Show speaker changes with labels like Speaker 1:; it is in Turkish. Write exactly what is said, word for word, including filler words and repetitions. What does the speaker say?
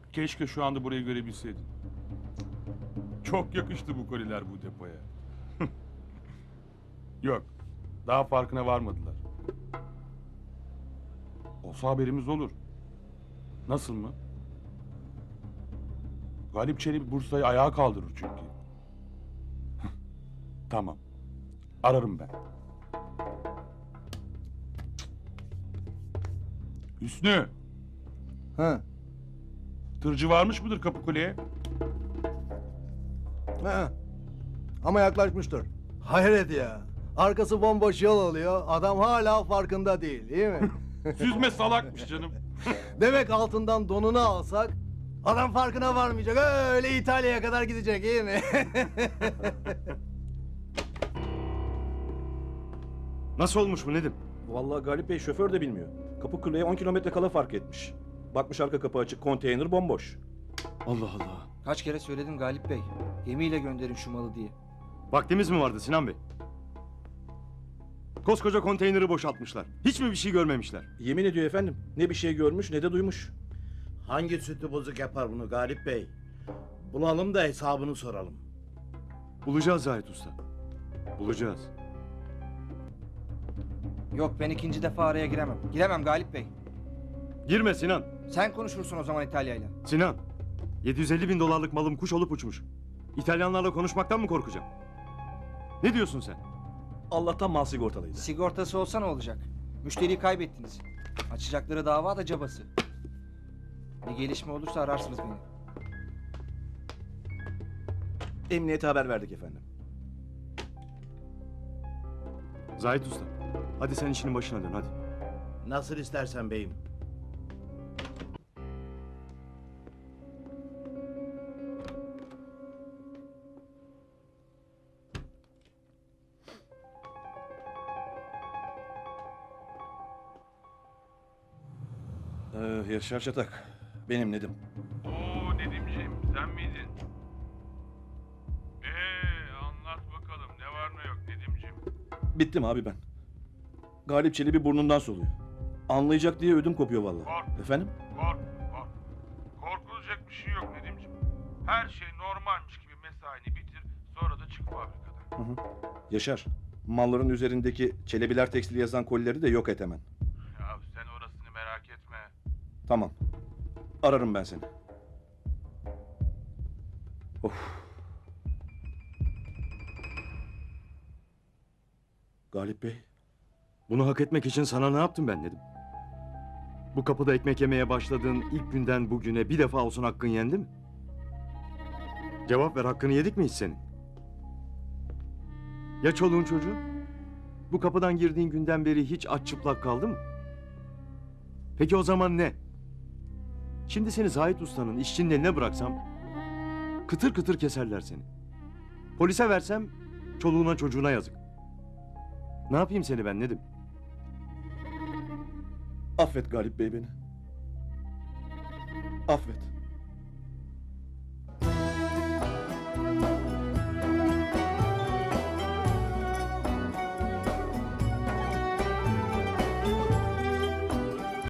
Speaker 1: Keşke şu anda burayı görebilseydin. Çok yakıştı bu koliler bu depoya. Yok, daha farkına varmadılar. Olsa haberimiz olur. Nasıl mı? Galip Çelebi Bursa'yı ayağa kaldırır çünkü. Tamam. Ararım ben. Hüsnü,
Speaker 2: Ha.
Speaker 1: tırcı varmış mıdır Kapıkule'ye?
Speaker 2: Ha. Ama yaklaşmıştır. Hayret ya. Arkası bomboş yol alıyor. Adam hala farkında değil, değil mi?
Speaker 1: Süzme salakmış canım.
Speaker 2: Demek altından donunu alsak adam farkına varmayacak. Öyle İtalya'ya kadar gidecek, iyi mi?
Speaker 3: Nasıl olmuş bu Nedim?
Speaker 4: Vallahi Galip Bey şoför de bilmiyor. Kapıkule'ye on kilometre kala fark etmiş. Bakmış arka kapı açık, konteyner bomboş.
Speaker 3: Allah Allah.
Speaker 5: Kaç kere söyledim Galip Bey. Gemiyle gönderin şu malı diye.
Speaker 3: Vaktimiz mi vardı Sinan Bey? Koskoca konteyneri boşaltmışlar. Hiç mi bir şey görmemişler?
Speaker 4: Yemin ediyor efendim. Ne bir şey görmüş ne de duymuş.
Speaker 6: Hangi sütü bozuk yapar bunu Galip Bey? Bulalım da hesabını soralım.
Speaker 3: Bulacağız Zahit Usta. Bulacağız.
Speaker 5: Yok, ben ikinci defa araya giremem. Giremem Galip Bey.
Speaker 3: Girme Sinan.
Speaker 5: Sen konuşursun o zaman İtalya'yla.
Speaker 3: Sinan. yedi yüz elli bin dolarlık malım kuş olup uçmuş. İtalyanlarla konuşmaktan mı korkacağım? Ne diyorsun sen?
Speaker 4: Allah'tan mal sigortalıydı.
Speaker 5: Sigortası olsa ne olacak? Müşteriyi kaybettiniz. Açacakları dava da cabası. Bir gelişme olursa ararsınız beni.
Speaker 4: Emniyete haber verdik efendim.
Speaker 3: Zahit Usta. Hadi sen işinin başına dön hadi.
Speaker 6: Nasıl istersen beyim.
Speaker 4: Ee, Yaşar Çatak. Benim Nedim.
Speaker 1: Oo Nedimciğim, sen miydin? Ee, anlat bakalım ne var ne yok Nedimciğim.
Speaker 4: Bittim abi ben. Galip Çelebi burnundan soluyor. Anlayacak diye ödüm kopuyor vallahi.
Speaker 1: Kork.
Speaker 4: Efendim?
Speaker 1: Kork, kork. Korkulacak bir şey yok Nedimciğim. Her şey normalmiş gibi mesaini bitir, sonra da çık fabrikadan.
Speaker 4: Hı hı. Yaşar. Malların üzerindeki Çelebiler Tekstil yazan kolileri de yok et hemen.
Speaker 1: Ya sen orasını merak etme.
Speaker 4: Tamam. Ararım ben seni. Of. Galip Bey.
Speaker 3: Bunu hak etmek için sana ne yaptım ben Nedim? Bu kapıda ekmek yemeye başladığın ilk günden bugüne bir defa olsun hakkın yendi mi? Cevap ver, hakkını yedik mi hiç senin? Ya çoluğun çocuğun? Bu kapıdan girdiğin günden beri hiç aç çıplak kaldı mı? Peki o zaman ne? Şimdi seni Zahit Usta'nın işçinin eline bıraksam kıtır kıtır keserler seni. Polise versem çoluğuna çocuğuna yazık. Ne yapayım seni ben Nedim?
Speaker 4: Affet Galip Bey beni. Affet.